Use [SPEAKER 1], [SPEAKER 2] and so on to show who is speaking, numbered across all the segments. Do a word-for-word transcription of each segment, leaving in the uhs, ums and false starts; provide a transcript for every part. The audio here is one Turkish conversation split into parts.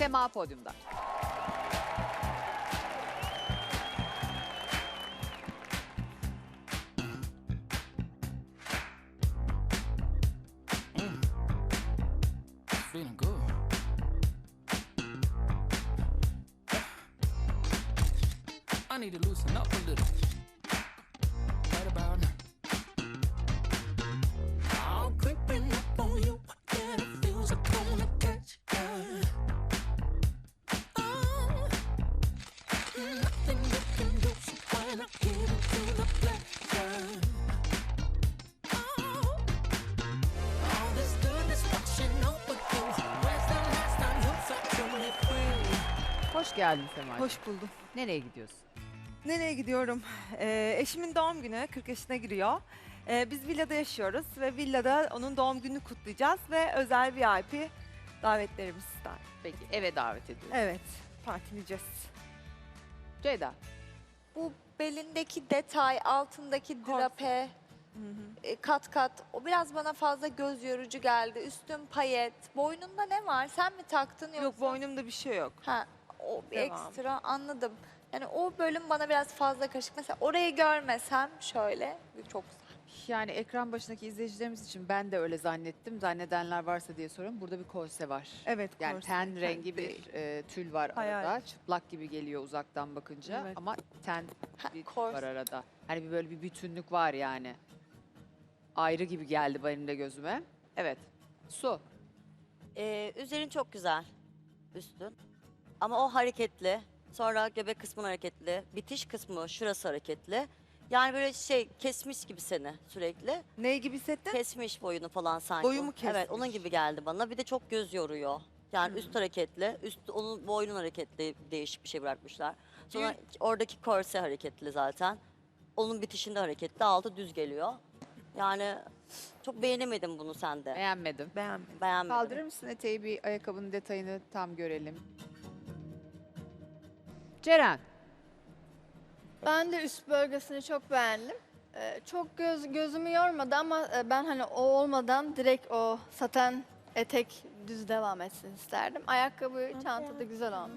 [SPEAKER 1] Sema podyumda.
[SPEAKER 2] Feeling good. I need to loosen up a little. Right about now. I'm creeping up on you, and it feels like I'm gonna catch you. Oh, nothing you can do, so when I give it to the pleasure. Oh, all this goodness washing over you. Where's the last time you felt truly free?
[SPEAKER 1] Hoş geldin Sema.
[SPEAKER 3] Hoş buldum.
[SPEAKER 1] Nereye gidiyorsun?
[SPEAKER 3] Nereye gidiyorum? Ee, eşimin doğum günü, kırk yaşına giriyor. Ee, biz villada yaşıyoruz ve villada onun doğum gününü kutlayacağız ve özel V I P davetlerimiz var.
[SPEAKER 1] Peki eve davet ediyorsun.
[SPEAKER 3] Evet, partileyeceğiz.
[SPEAKER 1] Ceyda.
[SPEAKER 4] Bu belindeki detay, altındaki
[SPEAKER 3] Korse.
[SPEAKER 4] drape, e, kat kat o biraz bana fazla göz yorucu geldi. Üstün payet. Boynunda ne var? Sen mi taktın yoksa?
[SPEAKER 3] Yok, boynumda bir şey yok.
[SPEAKER 4] Ha, o bir
[SPEAKER 3] Devam.
[SPEAKER 4] ekstra anladım. Yani o bölüm bana biraz fazla karışık. Mesela orayı görmesem şöyle çok güzel.
[SPEAKER 1] Yani ekran başındaki izleyicilerimiz için ben de öyle zannettim. Zannedenler varsa diye soruyorum. Burada bir korse var.
[SPEAKER 3] Evet,
[SPEAKER 1] Yani
[SPEAKER 3] korse.
[SPEAKER 1] ten rengi
[SPEAKER 3] Değil.
[SPEAKER 1] bir e, tül var
[SPEAKER 3] Hayal.
[SPEAKER 1] arada. Çıplak gibi geliyor uzaktan bakınca
[SPEAKER 3] Evet.
[SPEAKER 1] ama ten
[SPEAKER 4] Ha,
[SPEAKER 1] bir tül
[SPEAKER 4] korse.
[SPEAKER 1] var arada. Hani bir böyle bir bütünlük var yani. Ayrı gibi geldi benim de gözüme. Evet. Su.
[SPEAKER 5] Ee, üzerin çok güzel. Üstün. Ama o hareketli. Sonra göbek kısmın hareketli. Bitiş kısmı şurası hareketli. Yani böyle şey kesmiş gibi seni sürekli.
[SPEAKER 3] Ne gibi hissettin?
[SPEAKER 5] Kesmiş boyunu falan sanki.
[SPEAKER 3] Boyumu kesmiş.
[SPEAKER 5] Evet onun gibi geldi bana. Bir de çok göz yoruyor. Yani üst hareketli. Üst onun boynun hareketli değişik bir şey bırakmışlar. Sonra oradaki korse hareketli zaten. Onun bitişinde hareketli. Altı düz geliyor. Yani çok beğenemedim bunu sende.
[SPEAKER 1] Beğenmedim.
[SPEAKER 3] Beğenmedim.
[SPEAKER 5] Beğenmedim.
[SPEAKER 1] Kaldırır mısın eteği, bir ayakkabının detayını tam görelim. Ceren.
[SPEAKER 6] Ben de üst bölgesini çok beğendim. Ee, çok göz gözümü yormadı ama e, ben hani o olmadan direkt o saten etek düz devam etsin isterdim. Ayakkabı, çanta da güzel olmuş.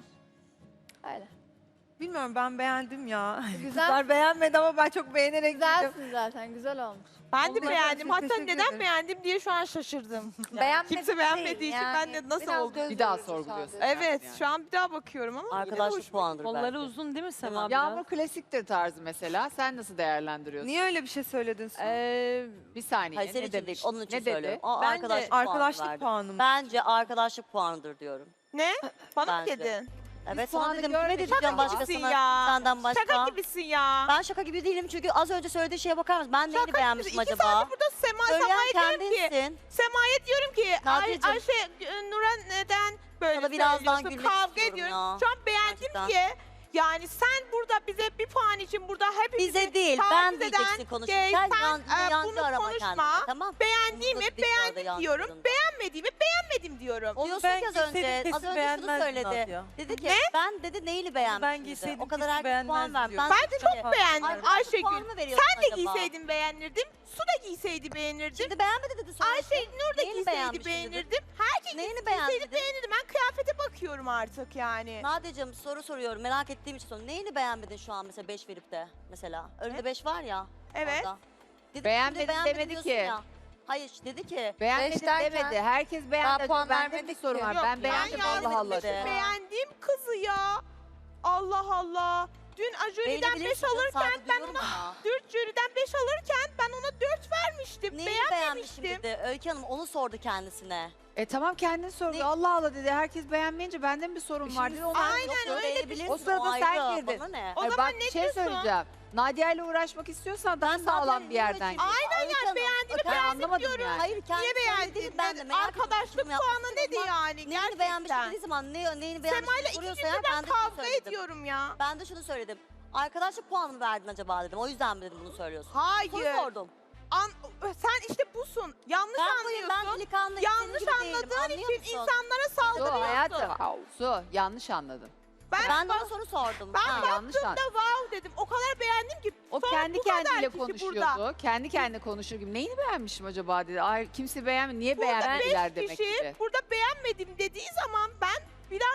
[SPEAKER 6] Öyle.
[SPEAKER 3] Bilmiyorum, ben beğendim ya.
[SPEAKER 6] Güzel.
[SPEAKER 3] Kızlar beğenmedi ama ben çok beğenerek gittim.
[SPEAKER 6] Güzelsin zaten, güzel olmuş.
[SPEAKER 7] Ben de
[SPEAKER 3] Allah
[SPEAKER 7] beğendim.
[SPEAKER 3] razı olsun,
[SPEAKER 7] Hatta
[SPEAKER 3] teşekkür
[SPEAKER 7] neden
[SPEAKER 3] ederim.
[SPEAKER 7] beğendim diye şu an şaşırdım.
[SPEAKER 4] Beğenmedim
[SPEAKER 7] Kimse beğenmediği
[SPEAKER 4] değil,
[SPEAKER 7] için ben de nasıl
[SPEAKER 4] biraz
[SPEAKER 7] oldu?
[SPEAKER 4] göz
[SPEAKER 1] Bir daha
[SPEAKER 4] yorucu
[SPEAKER 1] sorguluyorsun.
[SPEAKER 4] sadece.
[SPEAKER 7] Evet,
[SPEAKER 1] Yani.
[SPEAKER 7] şu an bir daha bakıyorum ama.
[SPEAKER 5] Arkadaşlık puanıdır
[SPEAKER 8] Kolları
[SPEAKER 5] belki.
[SPEAKER 8] uzun değil mi Sema?
[SPEAKER 5] Tamam.
[SPEAKER 8] biraz?
[SPEAKER 1] Yağmur klasiktir tarzı mesela. Sen nasıl değerlendiriyorsun?
[SPEAKER 3] Niye öyle bir şey söyledin Su?
[SPEAKER 8] Ee,
[SPEAKER 1] Bir saniye.
[SPEAKER 5] Hayır senin
[SPEAKER 1] ne
[SPEAKER 5] için
[SPEAKER 1] demiş?
[SPEAKER 5] değil, onun için
[SPEAKER 1] ne dedi?
[SPEAKER 5] söylüyorum. O
[SPEAKER 8] Bence
[SPEAKER 5] arkadaşlık, puanı
[SPEAKER 3] Arkadaşlık
[SPEAKER 5] verdi.
[SPEAKER 3] puanım.
[SPEAKER 5] Bence arkadaşlık puanıdır diyorum.
[SPEAKER 7] Ne? Bana mı
[SPEAKER 5] Bence.
[SPEAKER 7] dedin?
[SPEAKER 5] Evet
[SPEAKER 1] puanı
[SPEAKER 5] sana dedim.
[SPEAKER 1] görmedik
[SPEAKER 5] Kime diyeceğim
[SPEAKER 1] ama.
[SPEAKER 5] başka
[SPEAKER 7] Gibisin
[SPEAKER 5] sana?
[SPEAKER 7] ya.
[SPEAKER 5] Senden başka.
[SPEAKER 7] Şaka gibisin ya.
[SPEAKER 5] Ben şaka gibi değilim çünkü az önce söylediği şeye bakar mısın? Ben neyini beğenmişim
[SPEAKER 7] İki
[SPEAKER 5] acaba?
[SPEAKER 7] saattir burada Sema,
[SPEAKER 5] Söyleyen
[SPEAKER 7] Sema'ya diyorum ki.
[SPEAKER 5] kendinsin.
[SPEAKER 7] Sema'ya diyorum ki. Ay,
[SPEAKER 5] Nadiyeciğim.
[SPEAKER 7] Ayşe, e, Nur'a neden böyle
[SPEAKER 5] Sana birazdan
[SPEAKER 7] söylüyorsun?
[SPEAKER 5] gülmek
[SPEAKER 7] Kavga
[SPEAKER 5] istiyorum
[SPEAKER 7] ediyoruz.
[SPEAKER 5] ya.
[SPEAKER 7] Şu an beğendim
[SPEAKER 5] Gerçekten.
[SPEAKER 7] ki. Yani sen burada bize bir puan için burada hepimizi
[SPEAKER 5] Bize değil,
[SPEAKER 7] taciz
[SPEAKER 5] ben
[SPEAKER 7] eden,
[SPEAKER 5] diyeceksin
[SPEAKER 7] şey,
[SPEAKER 5] konuşurken.
[SPEAKER 7] sen,
[SPEAKER 5] Yan,
[SPEAKER 7] e,
[SPEAKER 5] yancı
[SPEAKER 7] bunu
[SPEAKER 5] arama
[SPEAKER 7] konuşma.
[SPEAKER 5] kendine, tamam?
[SPEAKER 7] Beğendiğimi
[SPEAKER 5] Bunu da dik bu arada
[SPEAKER 7] beğendim
[SPEAKER 5] yancı
[SPEAKER 7] diyorum.
[SPEAKER 5] arasında.
[SPEAKER 7] Beğenmediğimi beğenmedim diyorum.
[SPEAKER 5] Diyorsun ki az önce, az önce şunu söyledi. Dedi ki ben dedi neyini beğenmişsin
[SPEAKER 8] Ben
[SPEAKER 5] dedi.
[SPEAKER 8] giyseydim
[SPEAKER 5] O kadar
[SPEAKER 8] kesin
[SPEAKER 5] herkes puan
[SPEAKER 8] beğenmezdi
[SPEAKER 5] ver.
[SPEAKER 8] diyor.
[SPEAKER 7] Ben de çok beğendim
[SPEAKER 5] Arkadaşlık
[SPEAKER 7] Ayşegül.
[SPEAKER 5] puanı mı veriyorsun
[SPEAKER 7] Sen de
[SPEAKER 5] acaba?
[SPEAKER 7] giyseydin beğenirdim. Su da giyseydi beğenirdim.
[SPEAKER 5] Şimdi beğenmedi dedi sonra.
[SPEAKER 7] Ayşe Nur da
[SPEAKER 5] Neyini
[SPEAKER 7] giyseydi
[SPEAKER 5] beğenmişsin dedi.
[SPEAKER 7] beğenirdim. Herkes
[SPEAKER 5] Neyini
[SPEAKER 7] giyseydi
[SPEAKER 5] beğendin?
[SPEAKER 7] beğenirdim. Ben kıyafete bakıyorum artık yani.
[SPEAKER 5] Nadia'cığım soru soruyorum merak ettiğim için soruyorum. Neyini beğenmedin şu an mesela beş verip de mesela? Önünde beş var ya.
[SPEAKER 7] Evet.
[SPEAKER 5] Orada. Dedi,
[SPEAKER 1] Beğenmedim
[SPEAKER 5] şimdi beğenmedim
[SPEAKER 1] demedi
[SPEAKER 5] diyorsun
[SPEAKER 1] ki.
[SPEAKER 5] ya. Hayır dedi ki.
[SPEAKER 1] Beğenmedim
[SPEAKER 4] Beş derken-
[SPEAKER 1] demedi. Herkes beğendi.
[SPEAKER 4] puan
[SPEAKER 1] Bende bir
[SPEAKER 4] vermedik
[SPEAKER 1] sorun
[SPEAKER 4] ki.
[SPEAKER 1] var.
[SPEAKER 7] Yok,
[SPEAKER 1] Ben beğendim
[SPEAKER 7] ben
[SPEAKER 1] Allah Allah.
[SPEAKER 5] yazdım.
[SPEAKER 1] dedi.
[SPEAKER 7] Beğendiğim kızı ya. Allah Allah. Dün Ajuri'den beş
[SPEAKER 5] Beğenebilirsin,
[SPEAKER 7] alırken
[SPEAKER 5] saygı
[SPEAKER 7] ben
[SPEAKER 5] duyuyorum
[SPEAKER 7] ona
[SPEAKER 5] ama.
[SPEAKER 7] dört jüriden beş alırken ben ona dört vermiştim.
[SPEAKER 5] Neyini beğenmişim
[SPEAKER 7] Beğenmemiştim.
[SPEAKER 5] dedi. Öykü Hanım onu sordu kendisine.
[SPEAKER 1] E tamam kendin sordu.
[SPEAKER 5] Ne-
[SPEAKER 1] Allah Allah dedi. Herkes beğenmeyince bende mi bir sorun var dedi. Ona
[SPEAKER 7] Aynen
[SPEAKER 5] Yok,
[SPEAKER 7] öyle
[SPEAKER 5] beğenebilirsin,
[SPEAKER 1] O sırada
[SPEAKER 5] ayrı,
[SPEAKER 1] sen girdin.
[SPEAKER 5] Bana ne?
[SPEAKER 7] O
[SPEAKER 1] Hayır,
[SPEAKER 7] zaman
[SPEAKER 1] bak
[SPEAKER 7] ne
[SPEAKER 1] bir şey
[SPEAKER 7] diyorsun?
[SPEAKER 1] söyleyeceğim. Nadia ile uğraşmak istiyorsan daha
[SPEAKER 5] Ben zaten
[SPEAKER 1] sağlam bir yerden
[SPEAKER 5] niye
[SPEAKER 1] gir.
[SPEAKER 7] Aynen
[SPEAKER 5] Öykü
[SPEAKER 7] yani
[SPEAKER 5] Hanım,
[SPEAKER 7] beğendiğimi
[SPEAKER 1] Ben
[SPEAKER 7] beğendim
[SPEAKER 1] anlamadım
[SPEAKER 7] diyorum.
[SPEAKER 1] yani.
[SPEAKER 5] Hayır kendi
[SPEAKER 7] Niye beğendin?
[SPEAKER 5] değil, ben de merak ettim,
[SPEAKER 7] Arkadaşlık
[SPEAKER 5] yorum yapmak
[SPEAKER 7] puanı
[SPEAKER 5] istedim
[SPEAKER 7] nedir
[SPEAKER 5] ama
[SPEAKER 7] yani?
[SPEAKER 5] Neyini
[SPEAKER 7] Gerçekten.
[SPEAKER 5] beğenmişim dediği zaman ne, neyini beğenmişim
[SPEAKER 7] Sema'yla iki
[SPEAKER 5] soruyorsa
[SPEAKER 7] gündür
[SPEAKER 5] eğer
[SPEAKER 7] ben
[SPEAKER 5] ben de şunu
[SPEAKER 7] kavga
[SPEAKER 5] söyledim.
[SPEAKER 7] ediyorum ya.
[SPEAKER 5] Ben de şunu söyledim. Arkadaşlık puanı mı verdin acaba dedim. O yüzden mi dedim bunu söylüyorsun?
[SPEAKER 7] Hayır.
[SPEAKER 5] Soru sordum.
[SPEAKER 7] An- sen işte busun. Yanlış
[SPEAKER 5] Ben buyum, ben
[SPEAKER 7] anlıyorsun.
[SPEAKER 5] delikanlı.
[SPEAKER 7] Yanlış
[SPEAKER 5] senin gibi değilim,
[SPEAKER 7] anladığın
[SPEAKER 5] anlıyor
[SPEAKER 7] için
[SPEAKER 5] musun?
[SPEAKER 7] insanlara
[SPEAKER 1] Su
[SPEAKER 7] saldırıyorsun.
[SPEAKER 1] hayatım. Su yanlış anladın.
[SPEAKER 7] Ben,
[SPEAKER 5] Ben de
[SPEAKER 7] bak-
[SPEAKER 5] ona soru sordum.
[SPEAKER 7] Ben
[SPEAKER 5] Ha.
[SPEAKER 1] yanlış
[SPEAKER 7] baktığımda wow dedim. O kadar beğendim ki.
[SPEAKER 1] O
[SPEAKER 7] sonra
[SPEAKER 1] kendi
[SPEAKER 7] bu kadar
[SPEAKER 1] kendiyle
[SPEAKER 7] kişi
[SPEAKER 1] konuşuyordu.
[SPEAKER 7] burada.
[SPEAKER 1] Kendi kendine konuşur gibi. Neyini beğenmişim acaba dedi. Ay kimse beğenmedi. Niye
[SPEAKER 7] Burada
[SPEAKER 1] beğenmediler
[SPEAKER 7] beş
[SPEAKER 1] demek
[SPEAKER 7] kişi
[SPEAKER 1] ki.
[SPEAKER 7] burada beğenmedim dediği zaman ben bir an şey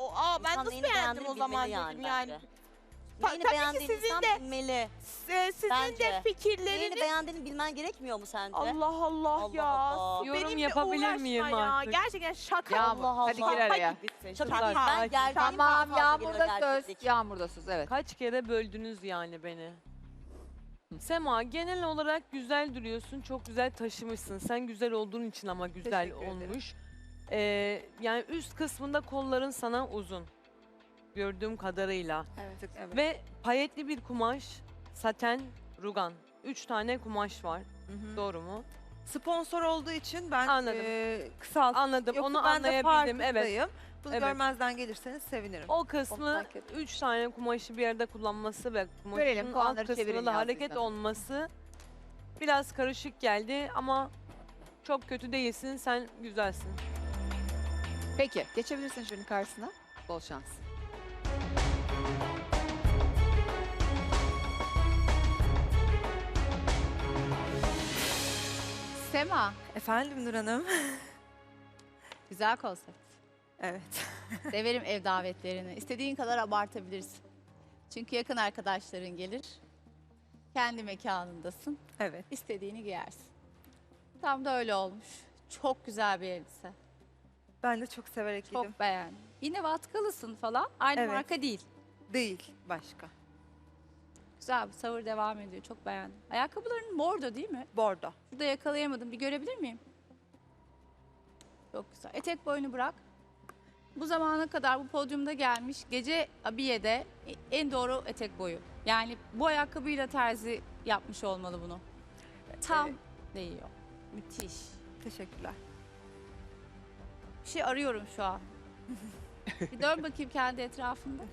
[SPEAKER 7] o, aa, ben
[SPEAKER 5] İnsan
[SPEAKER 7] nasıl
[SPEAKER 5] neyini
[SPEAKER 7] beğendim
[SPEAKER 5] beğendiğini
[SPEAKER 7] o zaman
[SPEAKER 5] bilmeli
[SPEAKER 7] dedim
[SPEAKER 5] yani
[SPEAKER 7] yani.
[SPEAKER 5] bence.
[SPEAKER 7] Ta-
[SPEAKER 5] Neyini
[SPEAKER 7] tabii ki
[SPEAKER 5] beğendiğini
[SPEAKER 7] sizin
[SPEAKER 5] insan
[SPEAKER 7] de-
[SPEAKER 5] bilmeli.
[SPEAKER 7] S- Sizin
[SPEAKER 5] Bence.
[SPEAKER 7] de
[SPEAKER 5] Neyini
[SPEAKER 7] fikirleriniz...
[SPEAKER 5] beğendiğini bilmen gerekmiyor mu sence?
[SPEAKER 7] Allah Allah,
[SPEAKER 5] Allah
[SPEAKER 7] ya.
[SPEAKER 5] Allah.
[SPEAKER 7] Su
[SPEAKER 8] Yorum
[SPEAKER 7] benimle
[SPEAKER 8] yapabilir
[SPEAKER 7] uğraşma
[SPEAKER 8] miyim
[SPEAKER 7] ya.
[SPEAKER 8] artık?
[SPEAKER 7] Gerçekten şaka.
[SPEAKER 1] Yağmur,
[SPEAKER 5] Allah
[SPEAKER 1] hadi
[SPEAKER 5] Allah.
[SPEAKER 1] gir araya.
[SPEAKER 7] gibisin.
[SPEAKER 5] Çok
[SPEAKER 7] Şaka.
[SPEAKER 5] iyi. Ben gerçekten
[SPEAKER 1] Tamam,
[SPEAKER 5] fazla
[SPEAKER 1] Yağmur'da
[SPEAKER 5] geliyor
[SPEAKER 1] söz.
[SPEAKER 5] gerçeklik.
[SPEAKER 1] Yağmur'da söz, evet.
[SPEAKER 8] Kaç kere böldünüz yani beni. Sema, genel olarak güzel duruyorsun. Çok güzel taşımışsın. Sen güzel olduğun için ama güzel
[SPEAKER 3] Teşekkür ederim.
[SPEAKER 8] olmuş. Ee, yani üst kısmında kolların sana uzun. Gördüğüm kadarıyla.
[SPEAKER 3] Evet. evet.
[SPEAKER 8] Ve payetli bir kumaş, saten, rugan. Üç tane kumaş var.
[SPEAKER 3] Hı hı.
[SPEAKER 8] Doğru mu?
[SPEAKER 3] Sponsor olduğu için ben
[SPEAKER 8] Anladım.
[SPEAKER 3] e, kısalt.
[SPEAKER 8] Anladım.
[SPEAKER 3] Yoksa
[SPEAKER 8] Onu
[SPEAKER 3] ben de
[SPEAKER 8] anlayabildim. Evet.
[SPEAKER 3] farkındayım. Bunu
[SPEAKER 8] Evet.
[SPEAKER 3] görmezden gelirseniz sevinirim.
[SPEAKER 8] O kısmı
[SPEAKER 3] fark ettim.
[SPEAKER 8] üç tane kumaşı bir yerde kullanması ve
[SPEAKER 1] Görelim,
[SPEAKER 8] kumaşın
[SPEAKER 1] puanları
[SPEAKER 8] alt kısmında
[SPEAKER 1] çevirin
[SPEAKER 8] da hareket
[SPEAKER 1] yazdıysanız.
[SPEAKER 8] olması biraz karışık geldi ama çok kötü değilsin. Sen güzelsin.
[SPEAKER 1] Peki, geçebilirsin şunun karşısına. Bol şans.
[SPEAKER 9] Sema,
[SPEAKER 3] Efendim Nur Hanım.
[SPEAKER 9] güzel konsept.
[SPEAKER 3] Evet.
[SPEAKER 9] Severim ev davetlerini. İstediğin kadar abartabilirsin. Çünkü yakın arkadaşların gelir. Kendi mekanındasın.
[SPEAKER 3] Evet.
[SPEAKER 9] İstediğini giyersin. Tam da öyle olmuş. Çok güzel bir elbise.
[SPEAKER 3] Ben de çok severek giydim.
[SPEAKER 9] Çok beğendim. Yine vatkalısın falan. Aynı
[SPEAKER 3] Evet.
[SPEAKER 9] marka değil.
[SPEAKER 3] Değil. Başka.
[SPEAKER 9] Güzel bir savur devam ediyor. Çok beğendim. Ayakkabıların bordo değil mi?
[SPEAKER 3] Bordo.
[SPEAKER 9] Şurada yakalayamadım. Bir görebilir miyim? Çok güzel. Etek boyunu bırak. Bu zamana kadar bu podyumda gelmiş gece abiyede en doğru etek boyu. Yani bu ayakkabıyla terzi yapmış olmalı bunu. Tam
[SPEAKER 3] Evet.
[SPEAKER 9] değiyor. Müthiş.
[SPEAKER 3] Teşekkürler.
[SPEAKER 9] Bir şey arıyorum şu an. Bir dön bakayım kendi etrafında.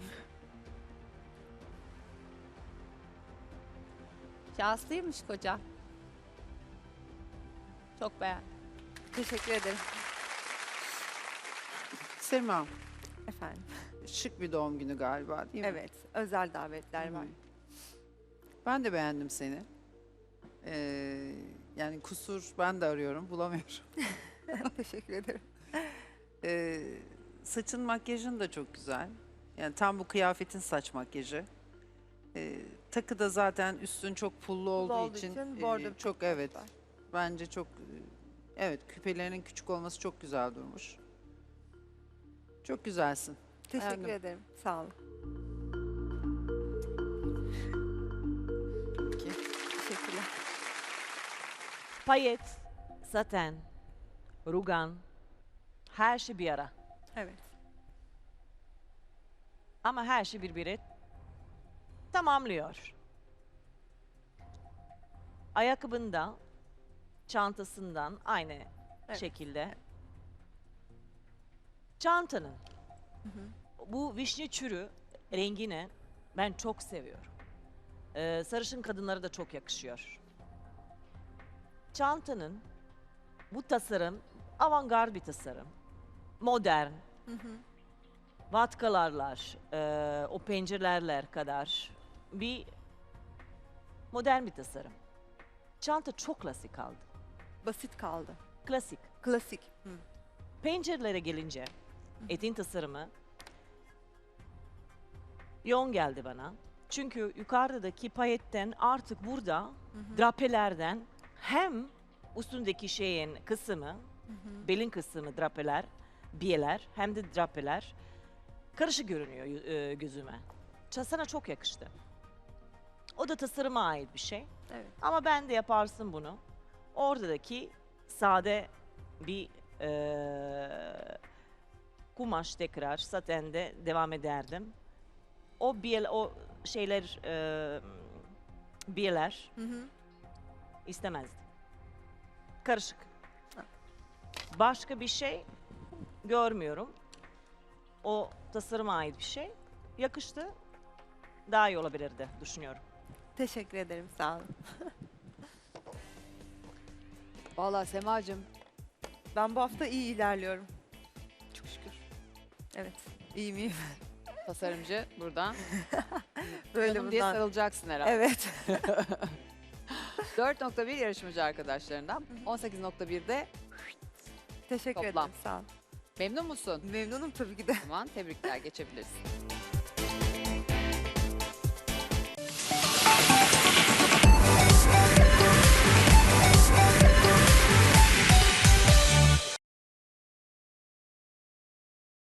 [SPEAKER 9] Şanslıymış koca. Çok beğendim.
[SPEAKER 3] Teşekkür ederim.
[SPEAKER 10] Sema,
[SPEAKER 3] Efendim.
[SPEAKER 10] şık bir doğum günü galiba değil mi?
[SPEAKER 3] Evet. Özel davetler var.
[SPEAKER 10] Hı. Ben de beğendim seni. Ee, yani kusur ben de arıyorum, bulamıyorum.
[SPEAKER 3] Teşekkür ederim.
[SPEAKER 10] Ee, saçın, makyajın da çok güzel. Yani tam bu kıyafetin saç makyajı. Ee, takı da zaten üstün çok pullu olduğu,
[SPEAKER 3] olduğu
[SPEAKER 10] için,
[SPEAKER 3] için
[SPEAKER 10] e,
[SPEAKER 3] bordo bir
[SPEAKER 10] çok
[SPEAKER 3] kumaş
[SPEAKER 10] evet.
[SPEAKER 3] var.
[SPEAKER 10] Bence çok e, evet, küpelerinin küçük olması çok güzel durmuş. Çok güzelsin.
[SPEAKER 3] Teşekkür
[SPEAKER 10] Beğendim.
[SPEAKER 3] ederim. Sağ olun.
[SPEAKER 10] Peki.
[SPEAKER 3] Teşekkürler.
[SPEAKER 11] Payet, saten, rugan, her şey bir ara.
[SPEAKER 3] Evet.
[SPEAKER 11] Ama her şey birbiri tamamlıyor. Ayakkabında, çantasından aynı
[SPEAKER 3] Evet.
[SPEAKER 11] şekilde. Çantanın bu vişne çürü rengini ben çok seviyorum. Ee, sarışın kadınlara da çok yakışıyor. Çantanın bu tasarım avantgard bir tasarım. Modern. Vatkalarlar, e, o pencereler kadar bir modern bir tasarım. Çanta çok klasik kaldı.
[SPEAKER 3] Basit kaldı.
[SPEAKER 11] Klasik.
[SPEAKER 3] Klasik. Hı.
[SPEAKER 11] Pencerelere gelince etin tasarımı yoğun geldi bana. Çünkü yukarıdaki payetten artık burada drapelerden hem üstündeki şeyin kısmı, belin kısmı drapeler, biyeler hem de drapeler karışık görünüyor e, gözüme. Ça- Sana çok yakıştı. O da tasarıma ait bir şey.
[SPEAKER 3] Evet.
[SPEAKER 11] Ama ben de yaparsın bunu. Oradaki sade bir e, kumaş tekrar satende devam ederdim. O biel, o şeyler e, biyeler
[SPEAKER 3] Hı hı.
[SPEAKER 11] istemezdim. Karışık.
[SPEAKER 3] Ha.
[SPEAKER 11] Başka bir şey görmüyorum. O tasarıma ait bir şey. Yakıştı. Daha iyi olabilirdi düşünüyorum.
[SPEAKER 3] Teşekkür ederim. Sağ olun.
[SPEAKER 1] Vallahi Semacığım,
[SPEAKER 3] Ben bu hafta iyi ilerliyorum. Çok şükür. Evet. İyi miyim?
[SPEAKER 1] tasarımcı buradan.
[SPEAKER 3] Böyle
[SPEAKER 1] Canım diye
[SPEAKER 3] bundan.
[SPEAKER 1] sarılacaksın herhalde.
[SPEAKER 3] Evet.
[SPEAKER 1] dört nokta bir yarışmacı arkadaşlarından. on sekiz nokta birde
[SPEAKER 3] Teşekkür
[SPEAKER 1] Toplam.
[SPEAKER 3] ederim. Sağ olun.
[SPEAKER 1] Memnun musun?
[SPEAKER 3] Memnunum tabii ki de.
[SPEAKER 1] O zaman tebrikler, geçebilirsin.